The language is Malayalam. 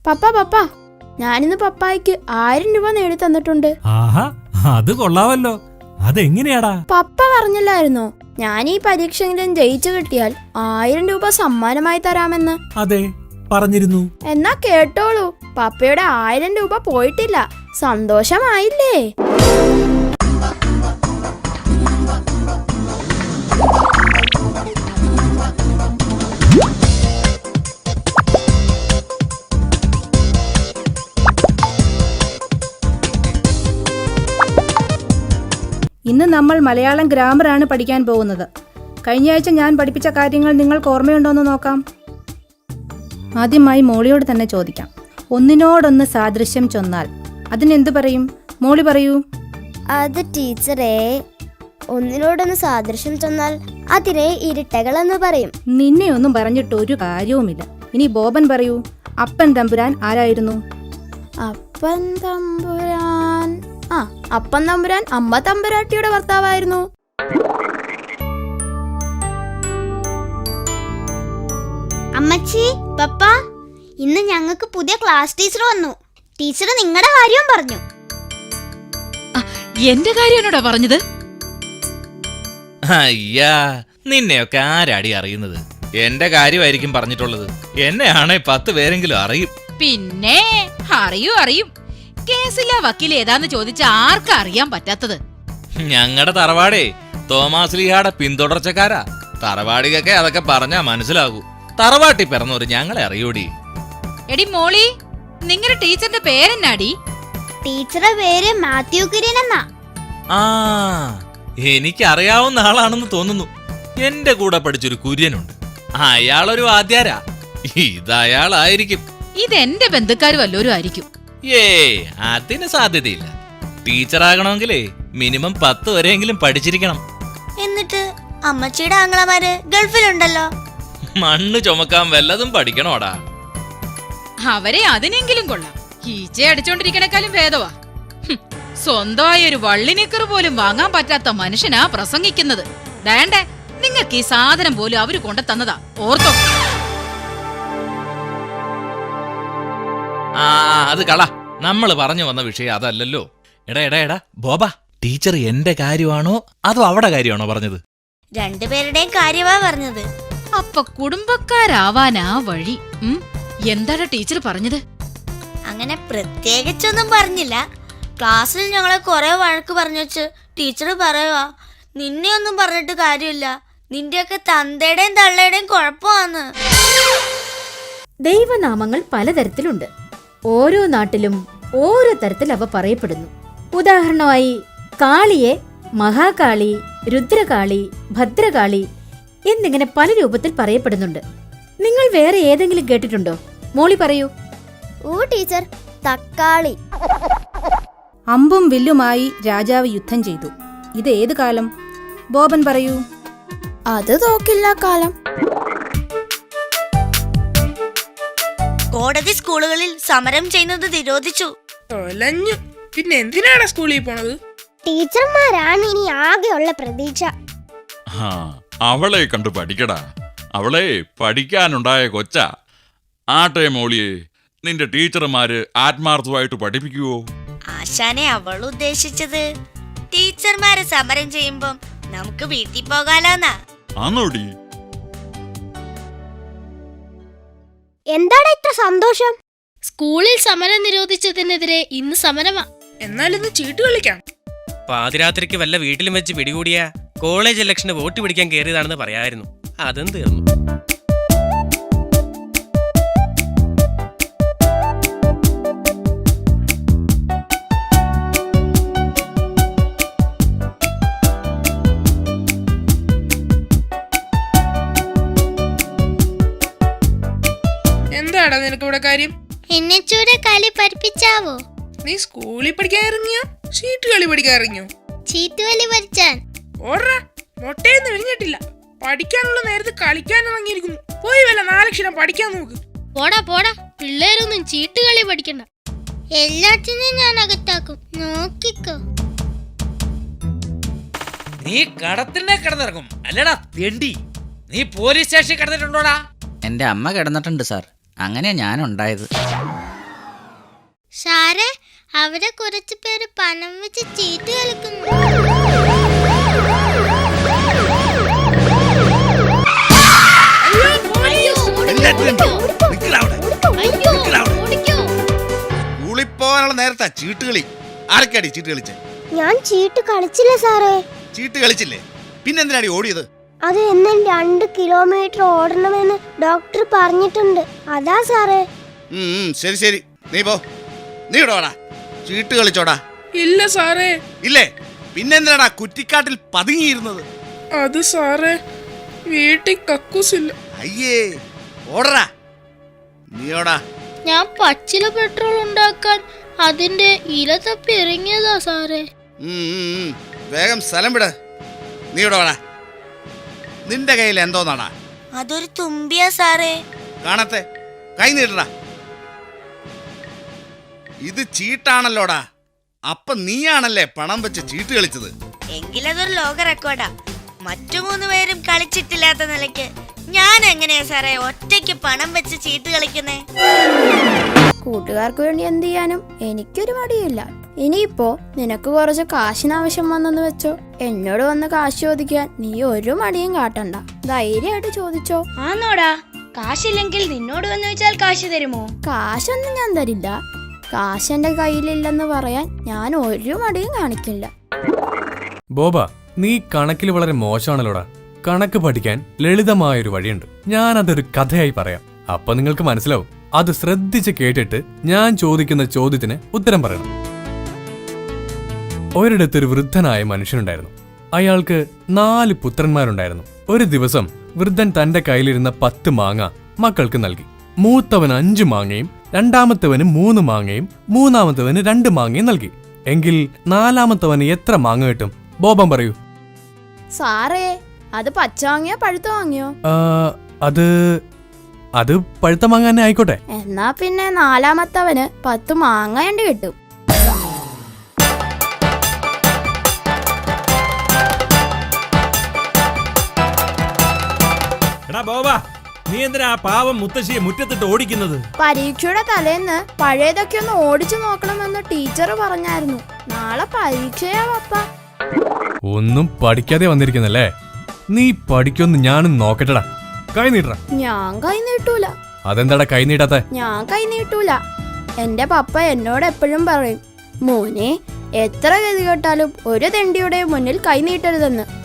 പപ്പ പപ്പ, ഞാനിന്ന് പപ്പായ്ക്ക് 1000 രൂപ നേടി തന്നിട്ടുണ്ട്. ആഹാ, അത് കൊള്ളാവല്ലോ. അതെങ്ങനെയാടാ? പപ്പ പറഞ്ഞില്ലായിരുന്നോ ഞാൻ ഈ പരീക്ഷയെങ്കിലും ജയിച്ചു കിട്ടിയാൽ 1000 രൂപ സമ്മാനമായി തരാമെന്ന്? അതെ, പറഞ്ഞിരുന്നു. എന്നാ കേട്ടോളൂ, പപ്പയുടെ 1000 രൂപ പോയിട്ടില്ല. സന്തോഷമായില്ലേ? ഇന്ന് നമ്മൾ മലയാളം ഗ്രാമറാണ് പഠിക്കാൻ പോകുന്നത്. കഴിഞ്ഞ ആഴ്ച ഞാൻ പഠിപ്പിച്ച കാര്യങ്ങൾ നിങ്ങൾക്ക് ഓർമ്മയുണ്ടോയെന്ന് നോക്കാം. ആദ്യമായി മോളിയോട് തന്നെ ചോദിക്കാം. ഒന്നിനോടൊന്ന് സാദൃശ്യം ചൊന്നാൽ അതിനെന്ത് പറയും? മോളി പറയൂ. അത് ടീച്ചറെ, ഒന്നിനോടൊന്ന് സാദൃശ്യം ചൊന്നാൽ അതിനെ ഇരട്ടകളെന്ന് പറയും. നിന്നെ ഒന്നും പറഞ്ഞിട്ട് ഒരു കാര്യവുമില്ല. ഇനി ബോബൻ പറയൂ. അപ്പൻ തമ്പുരാൻ ആരായിരുന്നു? അപ്പൻ തമ്പുരാൻ അപ്പൻ തമ്പുരാൻ അമ്മ തമ്പുരാട്ടിയുടെ ഭർത്താവായിരുന്നു. അമ്മച്ചി, പപ്പ, ഇന്ന് ഞങ്ങൾക്ക് പുതിയ ക്ലാസ് ടീച്ചർ വന്നു. ടീച്ചർ നിങ്ങളുടെ കാര്യവും പറഞ്ഞു. എന്റെ കാര്യമാണോടാ പറഞ്ഞത്? അയ്യാ, നിന്നെയൊക്കെ ആരാടി അറിയുന്നത്? എന്റെ കാര്യമായിരിക്കും പറഞ്ഞിട്ടുള്ളത്. എന്നെയാണെ 10 പേരെങ്കിലും അറിയും. പിന്നെ അറിയും. കേസിലെ വക്കീൽ ഏതാന്ന് ചോദിച്ച ആർക്കാ അറിയാൻ പറ്റാത്തത്? ഞങ്ങളുടെ തറവാടേ തോമാസ്ലിഹാടെ പിന്തുടർച്ചക്കാരാ. തറവാടികൊക്കെ അതൊക്കെ പറഞ്ഞാ മനസ്സിലാകൂ. തറവാട്ടി പിറന്നവര് ഞങ്ങളെ അറിയൂടി. എടി മോളി, നിങ്ങളുടെ ടീച്ചറിന്റെ പേരെന്നാടി? ടീച്ചറുടെ പേര് മാത്യു കുര്യൻ എന്നാ. ആ, എനിക്കറിയാവുന്ന ആളാണെന്ന് തോന്നുന്നു. എന്റെ കൂടെ പഠിച്ചൊരു കുര്യനുണ്ട്. അയാളൊരു വാദ്യാരാ. ഇതയാളായിരിക്കും. ഇതെന്റെ ബന്ധുക്കാർ വല്ലോരും ആയിരിക്കും. അതിന് സാധ്യതയില്ല. ടീച്ചറാകണമെങ്കിലേ മിനിമം 10 വരെയെങ്കിലും പഠിച്ചിരിക്കണം. എന്നിട്ട് അമ്മച്ചിയുടെ ആങ്ങളമാര് ഗൾഫിലുണ്ടല്ലോ. മണ്ണ് ചുമക്കാൻ വല്ലതും പഠിക്കണോടാ. അവരെ അതിനെങ്കിലും കൊള്ളാം. ഈച്ച അടിച്ചോണ്ടിരിക്കണേക്കാളും ഭേദവാ. സ്വന്തമായ ഒരു വള്ളിനിക്കർ പോലും വാങ്ങാൻ പറ്റാത്ത മനുഷ്യനാ പ്രസംഗിക്കുന്നത്. വേണ്ടേ, നിങ്ങൾക്ക് ഈ സാധനം പോലും അവര് കൊണ്ടു തന്നതാ, ഓർത്തോ? അത് കള. നമ്മൾ പറഞ്ഞു വന്ന വിഷയം അതല്ലല്ലോ. എടാ ബോബ, ടീച്ചർ എന്റെ കാര്യമാണോ അതോ അവിടെ കാര്യമാണോ പറഞ്ഞത്? രണ്ടുപേരുടെയും കാര്യമാ പറഞ്ഞത്. അപ്പൊ കുടുംബക്കാരാവാനാ വഴി. എന്താണ് ടീച്ചർ പറഞ്ഞത്? അങ്ങനെ പ്രത്യേകിച്ചൊന്നും പറഞ്ഞില്ല. ക്ലാസ്സിൽ ഞങ്ങളെ കുറെ വഴക്ക് പറഞ്ഞു വെച്ച് ടീച്ചർ പറയുവാ, നിന്നെ ഒന്നും പറഞ്ഞിട്ട് കാര്യമില്ല, നിന്റെയൊക്കെ തന്തയുടെയും തള്ളയുടെയും കുഴപ്പമാന്ന്. ദൈവനാമങ്ങൾ പലതരത്തിലുണ്ട്. ഓരോ നാട്ടിലും ഓരോ തരത്തിൽ അവ പറയപ്പെടുന്നു. ഉദാഹരണമായി കാളിയെ മഹാകാളി, രുദ്രകാളി, ഭദ്രകാളി എന്നിങ്ങനെ പല രൂപത്തിൽ പറയപ്പെടുന്നുണ്ട്. നിങ്ങൾ വേറെ ഏതെങ്കിലും കേട്ടിട്ടുണ്ടോ? മോളി പറയൂ. ഓ ടീച്ചർ, തക്കാളി. അമ്പും വില്ലുമായി രാജാവ് യുദ്ധം ചെയ്തു. ഇത് ഏത് കാലം? ബോബൻ പറയൂ. അത് തോക്കില്ല കാലം. കോടതി സ്കൂളുകളിൽ സമരം ചെയ്യുന്നത് നിരോധിച്ചു. പിന്നെ എന്തിനാണ് സ്കൂളിൽ പോണത്? ടീച്ചർമാരാണ് ഇനി ആകെയുള്ള പ്രതീക്ഷ. അവളെ കണ്ടു പഠിക്കടാ. അവളെ പഠിക്കാനുണ്ടായ കൊച്ച. ആട്ടെ മോളിയെ, നിന്റെ ടീച്ചർമാര് ആത്മാർത്ഥമായിട്ട് പഠിപ്പിക്കുവോ? ആശാനെ അവൾ ഉദ്ദേശിച്ചത് ടീച്ചർമാര് സമരം ചെയ്യുമ്പം നമുക്ക് വീട്ടിൽ പോകാലോന്നാ. ആന്നോടി? എന്താണ് ഇത്ര സന്തോഷം? സ്കൂളിൽ സമരം നിരോധിച്ചതിനെതിരെ ഇന്ന് സമരമാ. എന്നാൽ ഇന്ന് ചീട്ട് കളിക്കാം. പാതിരാത്രിക്ക് വല്ല വീട്ടിലും വെച്ച് പിടികൂടിയ കോളേജ് ഇലക്ഷന് വോട്ട് പിടിക്കാൻ കയറിയതാണെന്ന് പറയായിരുന്നു. അതും തീർന്നു. എന്താടാ നിനക്കിവിടെ കാര്യം? എന്നെ ചൂടെ കളി പഠിപ്പിച്ചാവോ? നീ സ്കൂളിൽ പഠിക്കാൻ ഇറങ്ങിയോ ചീട്ട് കളി പഠിക്കാൻ ഇറങ്ങിയോ? ചീട്ടുകളി പഠിച്ചാൻ. ഓർറാ, മൊട്ടയൊന്നും വിരിഞ്ഞിട്ടില്ല. പഠിക്കാനുള്ള നേരത്ത് കളിക്കാൻ ഇറങ്ങിയിരിക്കുന്നു. പോയി വല്ല 4 അക്ഷരം പഠിക്കാൻ നോക്ക്. പോടാ, പിള്ളേരൊന്നും ചീട്ടുകളി പഠിക്കണ്ട. എല്ലാത്തിനും ഞാൻ അകത്താക്കും, നോക്കിക്കോ. നീ കടത്തിനെ കിടന്നിറങ്ങും അല്ലടാ തെണ്ടി. നീ പോലീസ് സ്റ്റേഷനിൽ കിടന്നിട്ടുണ്ടോടാ? എന്റെ അമ്മ കിടന്നിട്ടുണ്ട് സാർ. അങ്ങനെയാ ഞാനുണ്ടായത്. സാറേ, അവിടെ കുറച്ച് പേര് പണം വെച്ച് ചീട്ട് കളിക്കുന്നു. ൂളിപ്പോവാനുള്ള നേരത്താ ചീട്ടുകളി. ആരൊക്കെയാടി ചീട്ട് കളിച്ചേ? ഞാൻ ചീട്ട് കളിച്ചില്ല സാറേ. ചീട്ട് കളിച്ചില്ലേ? പിന്നെന്തിനാടി ഓടിയത്? അത് എന്നും 2 കിലോമീറ്റർ ഓടണമെന്ന് ഡോക്ടർ പറഞ്ഞിട്ടുണ്ട്. അതാ സാറേ. ശരി ശരി, നീ പോ. നീ ഇടോടാ, ചീട്ട് കളിച്ചോടാ. ഇല്ല സാറേ. ഇല്ലേ? പിന്നെന്തിനാടാ കുറ്റിക്കാട്ടിൽ പതുങ്ങിയിരുന്നത്? അത് സാറേ, വീട്ടിൽ കക്കൂസില്ല. അയ്യേ, ഓടറാ. നീയോടാ. ഞാൻ പച്ചില പെട്രോൾ ഉണ്ടാക്കാൻ അതിന്റെ ഇല തപ്പി ഇറങ്ങിയതാ സാറേ. വേഗം സ്ഥലം വിട്. നീ ഇടോടാ. നിന്റെ കയ്യിൽ എന്തോന്നാടാ? അതൊരു തുമ്പിയാ സാറേ. കാണത്തെ, കൈ നീട്ടടാ. ഇത് ചീട്ടാണല്ലോടാ. അപ്പൊ നീയാണല്ലേ പണം വെച്ച് ചീട്ട് കളിച്ചത്? എങ്കിലതൊരു ലോക റെക്കോർഡാ. മറ്റു 3 പേരും കളിച്ചിട്ടില്ലാത്ത നിലയ്ക്ക് ഞാൻ എങ്ങനെയാ സാറേ ഒറ്റയ്ക്ക് പണം വെച്ച് ചീട്ട് കളിക്കുന്നേ? കൂട്ടുകാർക്ക് വേണ്ടി എന്ത് ചെയ്യാനും എനിക്കൊരു മടിയില്ല. ഇനിയിപ്പോ നിനക്ക് കുറച്ച് കാശിന് ആവശ്യം വന്നെന്ന് വെച്ചോ, എന്നോട് വന്ന് കാശ് ചോദിക്കാൻ നീ ഒരു മടിയും കാട്ടണ്ട. ധൈര്യമായിട്ട് ചോദിച്ചോ. ആന്നോടാ? കാശില്ലെങ്കിൽ നിന്നോട് വന്ന് വെച്ചാൽ കാശ് തരുമോ? കാശൊന്നും ഞാൻ തരില്ല. കാശ് എന്റെ കയ്യിലില്ലെന്ന് പറയാൻ ഞാൻ ഒരു മടിയും കാണിക്കില്ല. ബോബ, നീ കണക്കിൽ വളരെ മോശമാണല്ലോടാ. കണക്ക് പഠിക്കാൻ ലളിതമായൊരു വഴിയുണ്ട്. ഞാനതൊരു കഥയായി പറയാം. അപ്പൊ നിങ്ങൾക്ക് മനസ്സിലാവും. അത് ശ്രദ്ധിച്ച് കേട്ടിട്ട് ഞാൻ ചോദിക്കുന്ന ചോദ്യത്തിന് ഉത്തരം പറയണം. ഒരിടത്തൊരു വൃദ്ധനായ മനുഷ്യനുണ്ടായിരുന്നു. അയാൾക്ക് 4 പുത്രന്മാരുണ്ടായിരുന്നു. ഒരു ദിവസം വൃദ്ധൻ തന്റെ കയ്യിലിരുന്ന 10 മാങ്ങ മക്കൾക്ക് നൽകി. മൂത്തവന് 5 മാങ്ങയും രണ്ടാമത്തവന് 3 മാങ്ങയും മൂന്നാമത്തവന് 2 മാങ്ങയും നൽകി. എങ്കിൽ 4-മത്തവന് എത്ര മാങ്ങ കിട്ടും? ബോബം പറയൂ. സാറേ, അത് പച്ച വാങ്ങിയോ പഴുത്ത വാങ്ങിയോ? അത് പഴുത്ത മാങ്ങ തന്നെ ആയിക്കോട്ടെ. എന്നാ പിന്നെ 4-മത്തവന് 10 മാങ്ങ വേണ്ടി കിട്ടും. എടാ ബോബാ, നീ എന്തിനാ പാവം മുത്തശ്ശിയെ മുറ്റത്തിട്ട് ഓടിക്കുന്നത്? പരീക്ഷയുടെ തലേന്ന് പഴയതൊക്കെ ഒന്ന് ഓടിച്ചു നോക്കണമെന്ന് ടീച്ചർ പറഞ്ഞായിരുന്നു. നാളെ പരീക്ഷയാ പപ്പ. ഒന്നും പഠിക്കാതെ വന്നിരിക്കുന്നല്ലേ? നീ പഠിക്കൊന്ന് ഞാനും നോക്കട്ടടാ. കൈ നീട്ട. ഞാൻ കൈ നീട്ടൂല. അതെന്താടാ കൈ നീട്ടാത്ത? ഞാൻ കൈ നീട്ടൂല. എന്റെ പപ്പ എന്നോട് എപ്പോഴും പറയും, മോനെ എത്ര ഗതി കേട്ടാലും ഒരു തെണ്ടിയുടെ മുന്നിൽ കൈ നീട്ടരുതെന്ന്.